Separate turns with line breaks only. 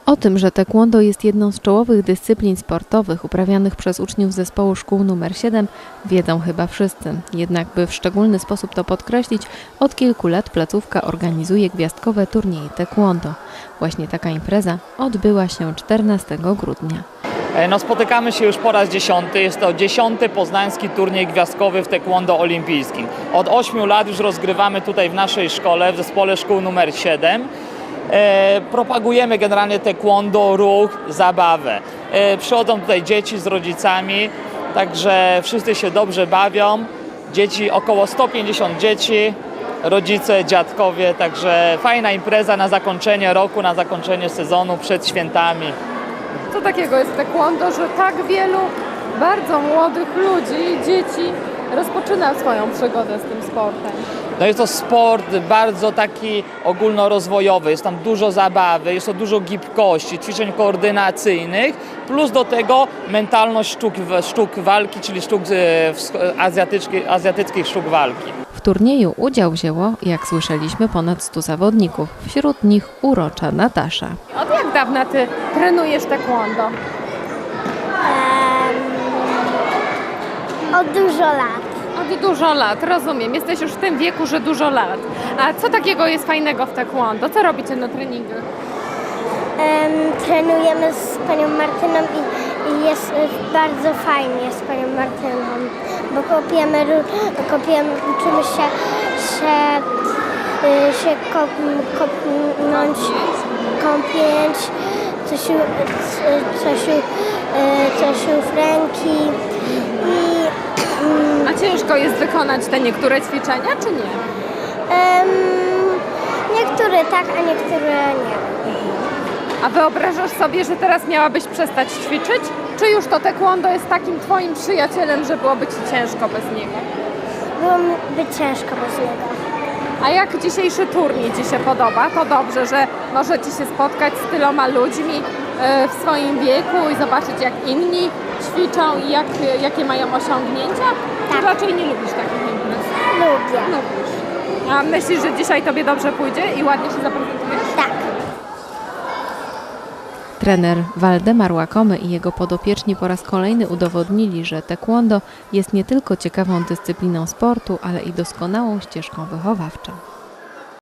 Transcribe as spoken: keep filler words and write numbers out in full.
O tym, że taekwondo jest jedną z czołowych dyscyplin sportowych uprawianych przez uczniów zespołu szkół numer siedem, wiedzą chyba wszyscy. Jednak by w szczególny sposób to podkreślić, od kilku lat placówka organizuje gwiazdkowe turnieje taekwondo. Właśnie taka impreza odbyła się czternastego grudnia.
No, spotykamy się już po raz dziesiąty. Jest to dziesiąty poznański turniej gwiazdkowy w taekwondo olimpijskim. Od ośmiu lat już rozgrywamy tutaj w naszej szkole, w zespole szkół numer siedem. E, propagujemy generalnie taekwondo, ruch, zabawę. E, przychodzą tutaj dzieci z rodzicami, także wszyscy się dobrze bawią. Dzieci, około sto pięćdziesiąt dzieci, rodzice, dziadkowie, także fajna impreza na zakończenie roku, na zakończenie sezonu przed świętami.
Co takiego jest taekwondo, że tak wielu bardzo młodych ludzi, dzieci rozpoczyna swoją przygodę z tym sportem?
No jest to sport bardzo taki ogólnorozwojowy, jest tam dużo zabawy, jest to dużo gibkości, ćwiczeń koordynacyjnych, plus do tego mentalność sztuk, sztuk walki, czyli sztuk azjatyckich, azjatyckich sztuk walki.
W turnieju udział wzięło, jak słyszeliśmy, ponad stu zawodników, wśród nich urocza Natasza.
Od jak dawna ty trenujesz taekwondo?
Um, od dużo lat.
Od dużo lat, rozumiem. Jesteś już w tym wieku, że dużo lat. A co takiego jest fajnego w taekwondo? Co robicie na treningach?
Um, trenujemy z panią Martyną i, i jest bardzo fajnie z panią Martyną, bo kopiemy, kopiemy uczymy się, się, się kop, kopnąć, kąpieć, coś, coś, coś w ręki i
A ciężko jest wykonać te niektóre ćwiczenia, czy nie?
Um, niektóre tak, a niektóre nie.
A wyobrażasz sobie, że teraz miałabyś przestać ćwiczyć? Czy już to taekwondo jest takim twoim przyjacielem, że byłoby ci ciężko bez niego?
Byłoby ciężko bez niego.
A jak dzisiejszy turniej ci się podoba? To dobrze, że możecie się spotkać z tyloma ludźmi w swoim wieku i zobaczyć, jak inni ćwiczą i jak, jakie mają osiągnięcia?
Tak.
Czy raczej nie lubisz takich imprez?
Lubię.
Lubisz. A myślisz, że dzisiaj tobie dobrze pójdzie i ładnie się zaprezentujesz?
Tak.
Trener Waldemar Łakomy i jego podopieczni po raz kolejny udowodnili, że taekwondo jest nie tylko ciekawą dyscypliną sportu, ale i doskonałą ścieżką wychowawczą.